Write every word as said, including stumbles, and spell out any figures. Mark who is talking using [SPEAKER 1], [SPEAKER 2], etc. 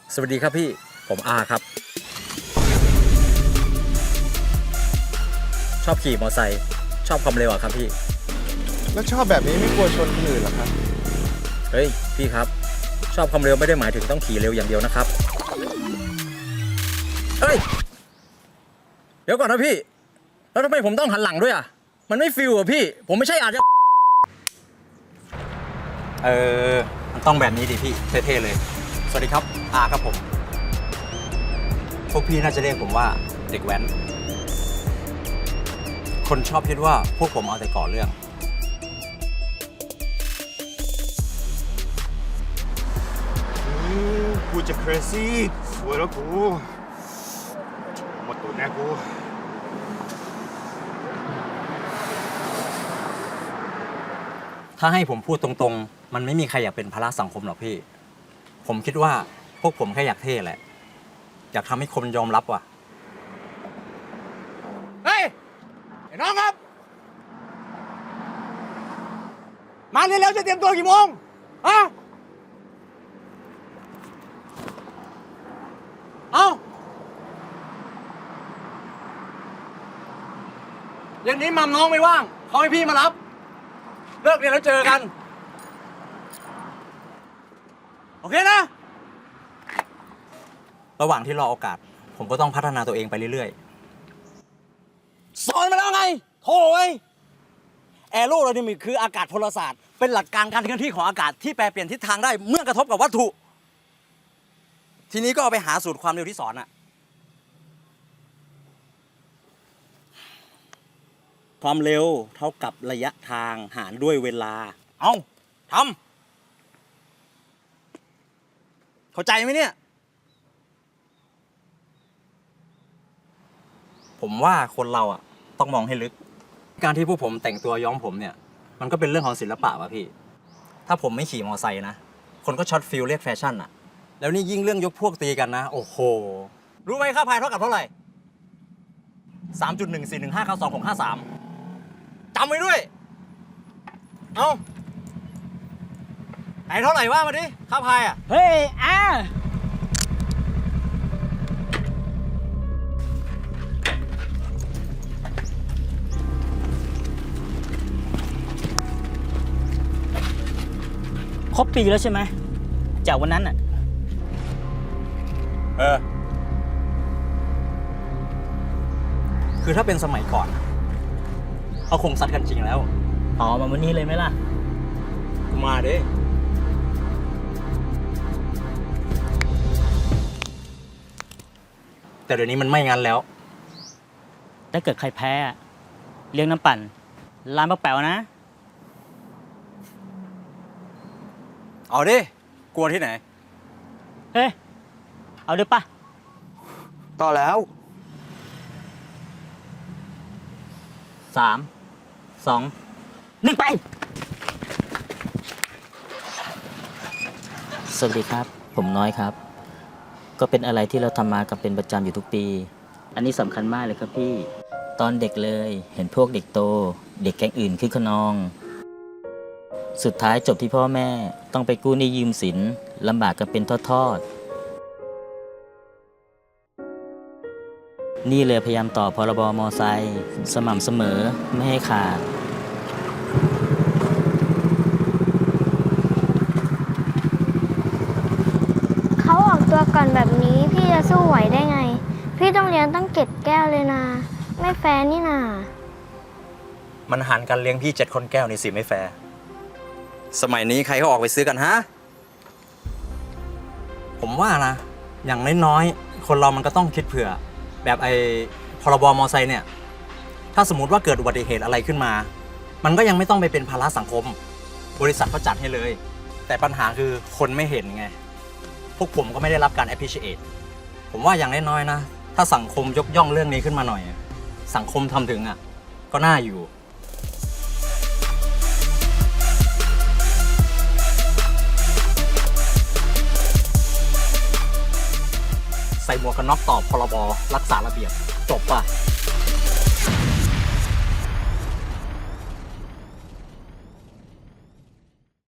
[SPEAKER 1] สวัสดีครับพี่ผมอาครับชอบขี่มอเตอร์ไซค์ชอบความเร็วอะครับพี่
[SPEAKER 2] แล้วชอบแบบนี้ไม่กลัวชนคนอื่นเหรอครับ
[SPEAKER 1] เฮ้ยพี่ครับชอบความเร็วไม่ได้หมายถึงต้องขี่เร็วอย่างเดียวนะครับเฮ้ยเดี๋ยวก่อนนะพี่แล้วทำไมผมต้องหันหลังด้วยอะมันไม่ฟิลอะพี่ผมไม่ใช่อาจจะเออมันต้องแบบนี้ดิพี่เท่ๆเลยสวัสดีครับอาครับผมพวกพี่น่าจะเรียกผมว่าเด็กแว้นคนชอบคิดว่าพวกผมเอาแต่ก่อเรื่อง
[SPEAKER 2] กูจะ crazy สวยแล้วกูหมดตัวแน่กู
[SPEAKER 1] ถ้าให้ผมพูดตรงๆมันไม่มีใครอยากเป็นภาระสังคมหรอกพี่ผมคิดว่าพวกผมแค่อยากเท่แหละอยากทำให้คนยอมรับว่ะเฮ้ยไอ้น้องครับมาเร็วๆจะเตรียมตัวกี่โมงฮะเอาอย่างนี้มัมน้องไม่ว่างเขาให้พี่มารับเลิกเรียนแล้วเจอกันโอเคนะระหว่างที่รอโอกาสผมก็ต้องพัฒนาตัวเองไปเรื่อยๆสอนมาแล้วไงโถ่เอ้ยแอโรไดนามิกคืออากาศพลศาสตร์เป็นหลักการการเคลื่อนที่ของอากาศที่แปรเปลี่ยนทิศทางได้เมื่อกระทบกับวัตถุทีนี้ก็เอาไปหาสูตรความเร็วที่สอนอะความเร็วเท่ากับระยะทางหารด้วยเวลาเอาทำเข้าใจไหมเนี่ยผมว่าคนเราอ่ะต้องมองให้ลึกการที่พวกผมแต่งตัวย้อมผมเนี่ยมันก็เป็นเรื่องของศิลปะว่ะพี่ถ้าผมไม่ขี่มอเตอร์ไซค์นะคนก็ช็อตฟิลเรียกแฟชั่นอ่ะแล้วนี่ยิ่งเรื่องยกพวกตีกันนะโอ้โหรู้ไหมค่าพายเท่ากับเท่าไหร่ สามจุดหนึ่งสี่หนึ่งห้าเก้าสองหกห้าสาม จำไว้ด้วยเอาไหนเท่าไหร่ว่ามาดิค่าพายอ่ะ
[SPEAKER 3] เฮ้ยอาครบปีแล้วใช่ไหมจากวันนั้นอ่ะ
[SPEAKER 1] เออคือถ้าเป็นสมัยก่อนเขาคงซัดกันจริงแล้ว
[SPEAKER 3] อ๋อมาวันนี้เลยไหมล่ะ
[SPEAKER 1] มาดิแต่เดี๋ยวนี้มันไม่งั้นแล้ว
[SPEAKER 3] ถ้าเกิดใครแพ้เลี้ยงน้ำปั่นร้านป้าแป๋วนะ
[SPEAKER 1] เอาดิกลัวที่ไหน
[SPEAKER 3] เฮ้ยเอาด้วยปะ
[SPEAKER 2] ต่อแล้ว
[SPEAKER 3] สามสองหนึ่งไปสวัสดีครับผมน้อยครับก็เป็นอะไรที่เราทำมากันเป็นประจำอยู่ทุกปีอันนี้สำคัญมากเลยครับพี่ตอนเด็กเลยเห็นพวกเด็กโตเด็กแก๊งอื่นคึกขนองสุดท้ายจบที่พ่อแม่ต้องไปกู้หนี้ยืมสินลำบากกันเป็นทอดๆนี่เลยพยายามต่อพรบมอไซค์สม่ำเสมอไม่ให้ขาด
[SPEAKER 4] เขาออกตัวก่อนแบบนี้พี่จะสู้ไหวได้ไงพี่ต้องเลี้ยงตั้งเจ็ดแก้วเลยนะไม่แฟร์นี่นา
[SPEAKER 1] มันหันกันเลี้ยงพี่เจ็ดคนแก้วนี่สิไม่แฟร์สมัยนี้ใครเขาออกไปซื้อกันฮะผมว่านะอย่างน้อยๆคนเรามันก็ต้องคิดเผื่อแบบไอ้พรบมอไซค์เนี่ยถ้าสมมติว่าเกิดอุบัติเหตุอะไรขึ้นมามันก็ยังไม่ต้องไปเป็นภาระสังคมบริษัทก็จัดให้เลยแต่ปัญหาคือคนไม่เห็นไงพวกผมก็ไม่ได้รับการ appreciate ผมว่าอย่างน้อยๆนะถ้าสังคมยกย่องเรื่องนี้ขึ้นมาหน่อยสังคมทำถึงอ่ะก็น่าอยู่ใส่หมวกกันน็อกตอบพรบรักษาระเบียบจบป่ะ